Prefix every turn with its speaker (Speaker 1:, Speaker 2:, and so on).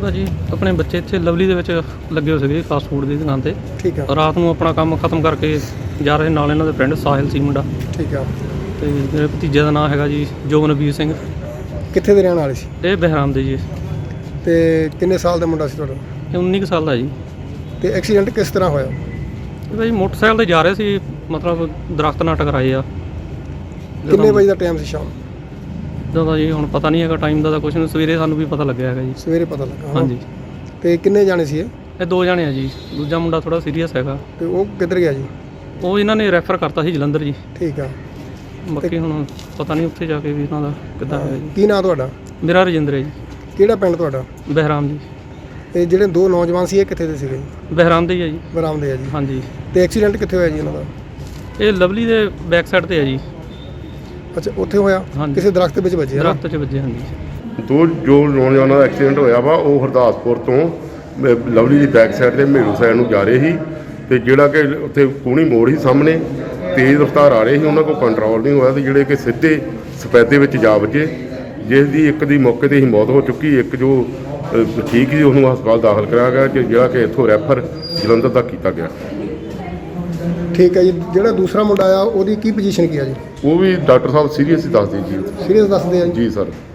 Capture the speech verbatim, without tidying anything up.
Speaker 1: ਭਾਜੀ ਆਪਣੇ ਬੱਚੇ ਇੱਥੇ ਲਵਲੀ ਦੇ ਵਿੱਚ ਲੱਗੇ ਹੋਏ ਸੀਗੇ ਫਾਸਟ ਫੂਡ ਦੀ ਦੁਕਾਨ 'ਤੇ।
Speaker 2: ਠੀਕ ਆ।
Speaker 1: ਰਾਤ ਨੂੰ ਆਪਣਾ ਕੰਮ ਖਤਮ ਕਰਕੇ ਜਾ ਰਹੇ ਨਾਲ ਇਹਨਾਂ ਦੇ ਫਰੈਂਡ ਸਾਹਿਲ ਸੀ ਮੁੰਡਾ।
Speaker 2: ਠੀਕ ਆ।
Speaker 1: ਤੇ ਮੇਰੇ ਭਤੀਜੇ ਦਾ ਨਾਮ ਹੈਗਾ ਜੀ ਜੋਗਨਵੀਰ ਸਿੰਘ।
Speaker 2: ਕਿੱਥੇ ਦੇ ਰਹਿਣ ਵਾਲੇ ਸੀ?
Speaker 1: ਇਹ ਬਹਿਰਾਮ ਦੇ ਜੀ।
Speaker 2: ਤੇ ਕਿੰਨੇ ਸਾਲ ਦਾ ਮੁੰਡਾ ਸੀ ਤੁਹਾਡਾ?
Speaker 1: ਇਹ ਉੱਨੀ ਕੁ ਸਾਲ ਦਾ ਜੀ।
Speaker 2: ਤੇ ਐਕਸੀਡੈਂਟ ਕਿਸ ਤਰ੍ਹਾਂ ਹੋਇਆ?
Speaker 1: ਇਹ ਭਾਜੀ ਮੋਟਰਸਾਈਕਲ 'ਤੇ ਜਾ ਰਹੇ ਸੀ, ਮਤਲਬ ਦਰਖਤ ਨਾਲ ਟਕਰਾਏ ਆ।
Speaker 2: ਕਿੰਨੇ ਵਜੇ ਦਾ ਟਾਈਮ ਸੀ ਸ਼ਾਮ?
Speaker 1: ਜਦੋਂ ਜੀ ਹੁਣ ਪਤਾ ਨਹੀਂ ਹੈਗਾ ਟਾਈਮ ਦਾ ਤਾਂ ਕੁਛ ਨਹੀਂ, ਸਵੇਰੇ ਸਾਨੂੰ ਵੀ ਪਤਾ ਲੱਗਿਆ ਹੈਗਾ ਜੀ।
Speaker 2: ਸਵੇਰੇ ਪਤਾ ਲੱਗਾ?
Speaker 1: ਹਾਂਜੀ।
Speaker 2: ਤੇ ਕਿੰਨੇ ਜਾਣੇ ਸੀ ਇਹ?
Speaker 1: ਇਹ ਦੋ ਜਾਣੇ ਆ ਜੀ, ਦੂਜਾ ਮੁੰਡਾ ਥੋੜਾ ਸੀਰੀਅਸ ਹੈਗਾ।
Speaker 2: ਤੇ ਉਹ ਕਿੱਧਰ ਗਿਆ ਜੀ?
Speaker 1: ਉਹ ਇਹਨਾਂ ਨੇ ਰੈਫਰ ਕਰਤਾ ਸੀ ਜਲੰਧਰ ਜੀ।
Speaker 2: ਠੀਕ ਆ।
Speaker 1: ਬਾਕੀ ਹੁਣ ਪਤਾ ਨਹੀਂ ਉੱਥੇ ਜਾ ਕੇ ਵੀ ਇਹਨਾਂ ਦਾ ਕਿੱਦਾਂ ਹੋਇਆ ਜੀ।
Speaker 2: ਕੀ ਨਾਂ ਤੁਹਾਡਾ?
Speaker 1: ਮੇਰਾ ਰਜਿੰਦਰ ਹੈ ਜੀ।
Speaker 2: ਕਿਹੜਾ ਪਿੰਡ ਤੁਹਾਡਾ?
Speaker 1: ਬਹਿਰਾਮ ਜੀ।
Speaker 2: ਇਹ ਜਿਹੜੇ ਦੋ ਨੌਜਵਾਨ ਸੀ ਇਹ ਕਿੱਥੇ ਦੇ ਸੀਗੇ?
Speaker 1: ਬਹਿਰਾਮ ਦੇ ਹੀ ਆ ਜੀ।
Speaker 2: ਬਰਾਮ ਦੇ ਆ ਜੀ।
Speaker 1: ਹਾਂਜੀ।
Speaker 2: ਤੇ ਐਕਸੀਡੈਂਟ ਕਿੱਥੇ ਹੋਇਆ ਜੀ ਇਹਨਾਂ ਦਾ?
Speaker 1: ਇਹ ਲਵਲੀ ਦੇ ਬੈਕ ਸਾਈਡ ਤੇ ਆ ਜੀ।
Speaker 2: ਅੱਛਾ, ਉੱਥੇ ਹੋਇਆ?
Speaker 1: ਹਾਂਜੀ।
Speaker 2: ਕਿਸੇ ਦਰਖਤ ਵਿੱਚ ਵੱਜੇ?
Speaker 1: ਦਰਖਤ 'ਚ ਵੱਜੇ। ਹਾਂਜੀ।
Speaker 3: ਦੋ ਜੋ ਨੌਜਵਾਨਾਂ ਦਾ ਐਕਸੀਡੈਂਟ ਹੋਇਆ ਵਾ ਉਹ ਹਰਦਾਸਪੁਰ ਤੋਂ ਅਹ, ਲਵਲੀ ਦੀ ਬੈਕ ਸਾਈਡ ਤੇ ਮੇਰੂ ਸਾਈਡ ਨੂੰ ਜਾ ਰਹੇ ਸੀ। ਤੇ ਜਿਹੜਾ ਕਿ ਉੱਥੇ ਕੋਣੀ ਮੋੜ ਸੀ ਸਾਹਮਣੇ, ਤੇਜ਼ ਰਫ਼ਤਾਰ ਆ ਰਹੇ ਸੀ, ਉਹਨਾਂ ਕੋਲ ਕੰਟਰੋਲ ਨਹੀਂ ਹੋਇਆ ਤੇ ਜਿਹੜੇ ਕਿ ਸਿੱਧੇ ਸਫੈਦੇ ਵਿੱਚ ਜਾ ਵੱਜੇ, ਜਿਸ ਦੀ ਇੱਕ ਦੀ ਮੌਕੇ 'ਤੇ ਹੀ ਮੌਤ ਹੋ ਚੁੱਕੀ। ਇੱਕ ਜੋ ਅਹ, ਠੀਕ ਸੀ ਉਹਨੂੰ ਹਸਪਤਾਲ ਦਾਖਲ ਕਰਾਇਆ ਗਿਆ, ਤੇ ਜਿਹੜਾ ਕਿ ਇੱਥੋਂ ਰੈਫਰ ਜਲੰਧਰ ਤੱਕ ਕੀਤਾ ਗਿਆ।
Speaker 2: ਠੀਕ ਹੈ ਜੀ। ਜਿਹੜਾ ਦੂਸਰਾ ਮੁੰਡਾ ਆ ਉਹਦੀ ਕੀ ਪੋਜੀਸ਼ਨ ਕੀ ਆ ਜੀ?
Speaker 3: ਉਹ ਵੀ ਡਾਕਟਰ ਸਾਹਿਬ ਸੀਰੀਅਸ ਹੀ ਦੱਸਦੇ ਜੀ।
Speaker 2: ਸੀਰੀਅਸ ਦੱਸਦੇ ਆ ਜੀ?
Speaker 3: ਜੀ ਸਰ।